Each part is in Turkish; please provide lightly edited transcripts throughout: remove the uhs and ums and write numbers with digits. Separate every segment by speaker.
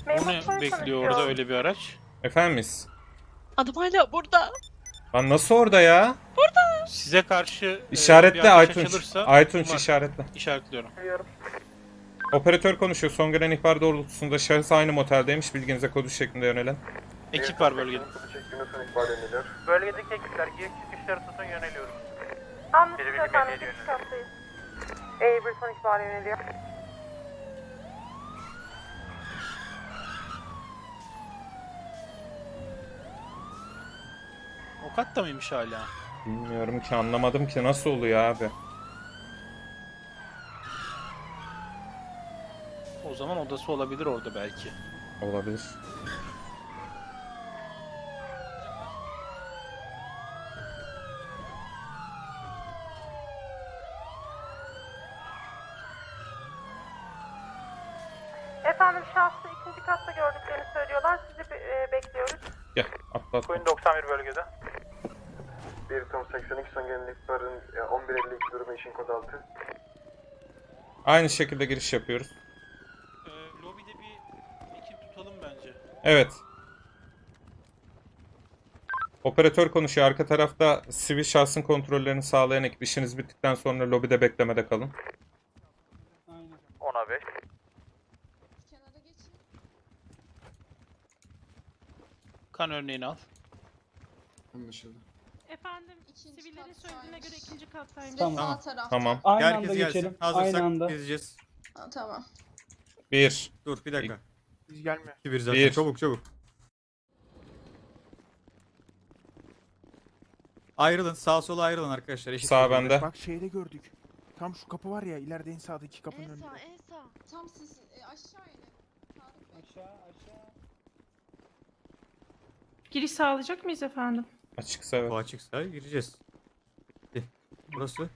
Speaker 1: O ne bekliyor orada öyle bir araç?
Speaker 2: Efendimiz.
Speaker 3: Adam hala burada.
Speaker 2: Lan nasıl orada ya?
Speaker 1: Size karşı bir
Speaker 2: İşaretle
Speaker 1: ateş
Speaker 2: Aytunç.
Speaker 1: açılırsa
Speaker 2: Aytunç
Speaker 1: var.
Speaker 2: işaretle.
Speaker 1: İşaretliyorum.
Speaker 2: Operatör konuşuyor. Son gelen ihbar doğrultusunda şahıs aynı moteldeymiş. Bilginize kodu şeklinde yönelen.
Speaker 1: Ekip var bölgede.
Speaker 4: Bölgedeki ekipler giriş çıkışları tutun yöneliyoruz.
Speaker 5: Anlaşıldı efendim. Geçiş hattayız. Bir son ihbarı yöneliyor.
Speaker 1: O katta mıymış hala?
Speaker 2: Bilmiyorum ki, anlamadım ki nasıl oluyor abi.
Speaker 1: O zaman odası olabilir orada belki.
Speaker 2: Olabilir.
Speaker 5: Efendim şahsı ikinci katta gördüklerini söylüyorlar. Sizi bekliyoruz.
Speaker 2: Gel atla atla.
Speaker 4: Queen 91 bölgede.
Speaker 6: 1 Tom 82 son gelen ihbarın 11.52 durumu için kod 6.
Speaker 2: Aynı şekilde giriş yapıyoruz.
Speaker 1: Lobide bir ekip tutalım bence.
Speaker 2: Evet. Operatör konuşuyor. Arka tarafta sivil şahsın kontrollerini sağlayan ekip. İşiniz bittikten sonra lobide beklemede kalın.
Speaker 4: 10'a 5.
Speaker 1: Kan örneğini al.
Speaker 7: Anlaşıldı.
Speaker 8: Efendim, sivillerin söylediğine göre ikinci kattaymış.
Speaker 2: Tamam. Tamam.
Speaker 9: Aynı
Speaker 7: Herkes
Speaker 9: anda
Speaker 7: gelsin.
Speaker 9: geçelim.
Speaker 7: Hazırsak
Speaker 9: Aynı anda.
Speaker 7: gezeceğiz.
Speaker 3: Tamam.
Speaker 2: 1.
Speaker 7: Dur bir dakika.
Speaker 4: Biz gelmiyor.
Speaker 7: 2-1 zaten.
Speaker 2: Bir.
Speaker 7: Çabuk çabuk. Ayrılın. Sağa sola ayrılın arkadaşlar. Eşit
Speaker 2: Sağ
Speaker 7: şekilde.
Speaker 2: bende.
Speaker 10: Bak şeyde gördük. Tam şu kapı var ya, ileride en sağdaki kapının önünde.
Speaker 3: En sağ. Tam siz aşağı inin.
Speaker 9: Aşağı aşağı.
Speaker 8: Giriş sağlayacak mıyız efendim?
Speaker 2: Açıksa evet.
Speaker 7: Bu açıksa gireceğiz. Burası.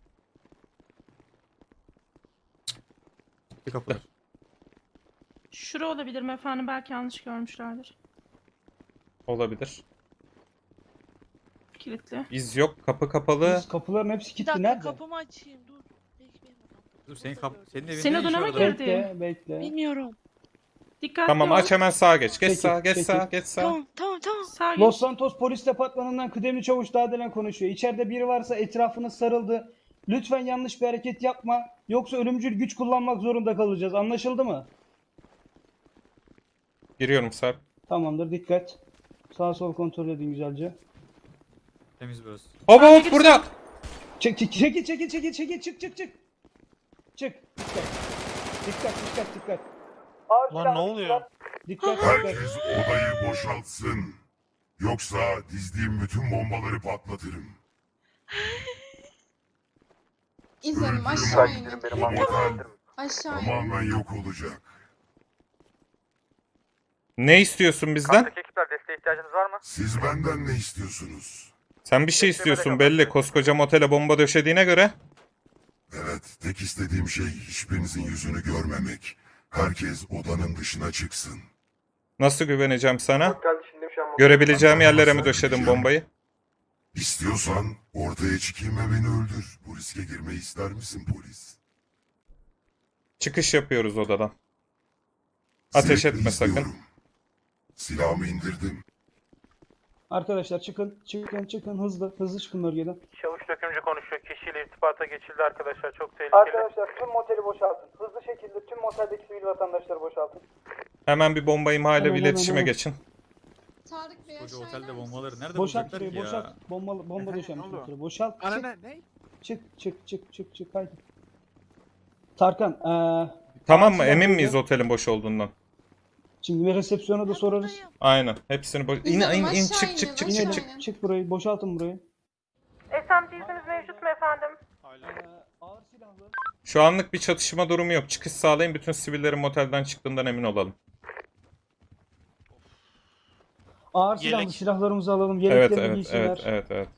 Speaker 7: Bir kapılar.
Speaker 8: Şura olabilir mi efendim? Belki yanlış görmüşlerdir.
Speaker 2: Olabilir.
Speaker 8: Kilitli.
Speaker 2: İz yok. Kapı kapalı.
Speaker 9: Biz kapıların hepsi
Speaker 3: Bir
Speaker 9: kilitli.
Speaker 3: dakika
Speaker 9: Kapı
Speaker 3: kapımı açayım dur. Bekleyin.
Speaker 7: Dur senin evinde
Speaker 8: Senin
Speaker 7: ne işi
Speaker 8: odana mı
Speaker 7: var adamın?
Speaker 8: girdi?
Speaker 9: Bekle bekle.
Speaker 3: Bilmiyorum.
Speaker 8: Dikkatli
Speaker 2: Tamam
Speaker 8: ol.
Speaker 2: aç hemen sağa geç. Geç
Speaker 9: Çekil,
Speaker 2: sağa, geç
Speaker 9: çekil.
Speaker 2: sağa, geç sağa.
Speaker 3: Tamam.
Speaker 8: Sağ geç.
Speaker 9: Los Santos Polis Departmanı'ndan kıdemli çavuş Dağdelen konuşuyor. İçeride biri varsa etrafınız sarıldı. Lütfen yanlış bir hareket yapma. Yoksa ölümcül güç kullanmak zorunda kalacağız. Anlaşıldı mı?
Speaker 2: Giriyorum Sarp.
Speaker 9: Tamamdır, dikkat. Sağ sol kontrol edin güzelce.
Speaker 7: Temiz burası.
Speaker 2: Hop hop burada.
Speaker 9: Çekil çık. Çık. Dikkat.
Speaker 1: Lan ne oluyor?
Speaker 9: Dikkat.
Speaker 11: Herkes odayı boşaltsın. Yoksa dizdiğim bütün bombaları patlatırım.
Speaker 3: İzlenim
Speaker 11: Öldürüm
Speaker 3: aşağı
Speaker 11: o
Speaker 3: inin.
Speaker 6: Benim anladım.
Speaker 3: Aşağı inin.
Speaker 11: tamamen yok olacak.
Speaker 2: Ne istiyorsun bizden?
Speaker 4: Kattaki ekipler desteğe ihtiyacınız var mı?
Speaker 11: Siz benden ne istiyorsunuz?
Speaker 2: Sen bir şey istiyorsun belli. Koskoca motele bomba döşediğine göre.
Speaker 11: Evet, tek istediğim şey hiçbirinizin yüzünü görmemek. Herkes odanın dışına çıksın.
Speaker 2: Nasıl güveneceğim sana?
Speaker 6: Geldi şimdi şu an.
Speaker 2: Görebileceğim yerlere mi döşedin bombayı?
Speaker 11: İstiyorsan ortaya çıkayım ve beni öldür. Bu riske girmeyi ister misin polis?
Speaker 2: Çıkış yapıyoruz odadan. Ateş
Speaker 11: Zevkle
Speaker 2: etme sakın.
Speaker 11: izliyorum. Silahımı indirdim.
Speaker 9: Arkadaşlar çıkın hızlı çıkın bölgeden.
Speaker 4: Çavuş dökümcü konuşuyor. Kişiyle irtibata geçildi arkadaşlar. Çok tehlikeli.
Speaker 9: Tüm moteli boşaltın. Hızlı şekilde tüm moteldeki sivil vatandaşları boşaltın.
Speaker 2: Hemen bir bomba imha ile
Speaker 9: Hemen,
Speaker 2: iletişime
Speaker 9: hemen.
Speaker 2: geçin.
Speaker 3: Tarık Bey
Speaker 7: Koca
Speaker 3: aşağı
Speaker 7: otelde
Speaker 3: iner misiniz?
Speaker 7: bombaları nerede
Speaker 9: Boşalt
Speaker 7: bulacaklar
Speaker 9: şurayı
Speaker 7: ki ya?
Speaker 9: boşalt. Bomba
Speaker 10: Efendim,
Speaker 9: döşenmiş
Speaker 10: ne oldu?
Speaker 9: bir kere. Boşalt.
Speaker 10: Ana ne?
Speaker 9: Çık haydi. Tarkan
Speaker 2: Tamam mı?
Speaker 9: Silah
Speaker 2: Emin
Speaker 9: böyle.
Speaker 2: miyiz otelin boş olduğundan?
Speaker 9: şimdi bir resepsiyona da sorarız.
Speaker 3: Buradayım.
Speaker 2: Aynen. Hepsini boş... İn
Speaker 3: İnelim,
Speaker 2: in
Speaker 3: aşağı
Speaker 2: çık
Speaker 3: inin,
Speaker 2: çık çık
Speaker 3: aşağı
Speaker 2: çık
Speaker 9: İnelim.
Speaker 2: çık.
Speaker 3: inin.
Speaker 9: Çık burayı boşaltın burayı.
Speaker 5: SMG izniniz mevcut mu efendim?
Speaker 1: Hala.
Speaker 9: Ağır silahlı.
Speaker 2: Şu anlık bir çatışma durumu yok. Çıkış sağlayın. Bütün sivillerin motelden çıktığından emin olalım.
Speaker 9: Ağır
Speaker 1: Yelek.
Speaker 9: silahlı silahlarımızı alalım.
Speaker 2: Evet
Speaker 9: Yeleklerini
Speaker 2: evet
Speaker 9: giysinler.
Speaker 2: evet.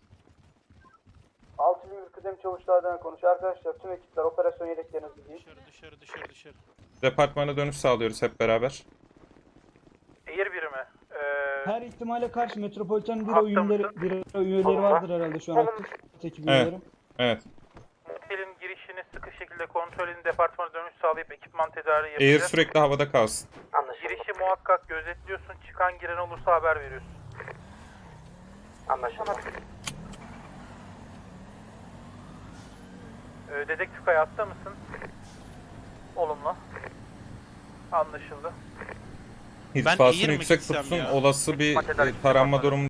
Speaker 9: 601 kıdem çavuşlardan konuş. Arkadaşlar tüm ekipler operasyon yeleklerinizi giyin.
Speaker 1: Dışarı.
Speaker 2: Departmana dönüş sağlıyoruz hep beraber.
Speaker 4: Air birimi.
Speaker 9: Her ihtimale karşı Metropolitan
Speaker 4: Hatta
Speaker 9: üyeleri vardır herhalde şu an aktif. Ekip
Speaker 2: Evet.
Speaker 9: üyeleri.
Speaker 2: Evet.
Speaker 4: Motelin girişini sıkı şekilde kontrol edin. Departmana dönüş sağlayıp ekipman tedariği
Speaker 2: Air
Speaker 4: yapacağız.
Speaker 2: sürekli havada kalsın.
Speaker 4: Girişi muhakkak gözetliyorsun. Çıkan giren olursa haber veriyorsun.
Speaker 6: Anlaşıldı.
Speaker 4: Dedektif hayatta mısın? Olumlu. Anlaşıldı.
Speaker 2: İrtifasını
Speaker 1: eğir mi
Speaker 2: yüksek
Speaker 1: gitsem
Speaker 2: tutsun.
Speaker 1: ya?
Speaker 2: Olası bir
Speaker 4: Maddeden
Speaker 2: taranma
Speaker 4: çıkmak.
Speaker 2: durumu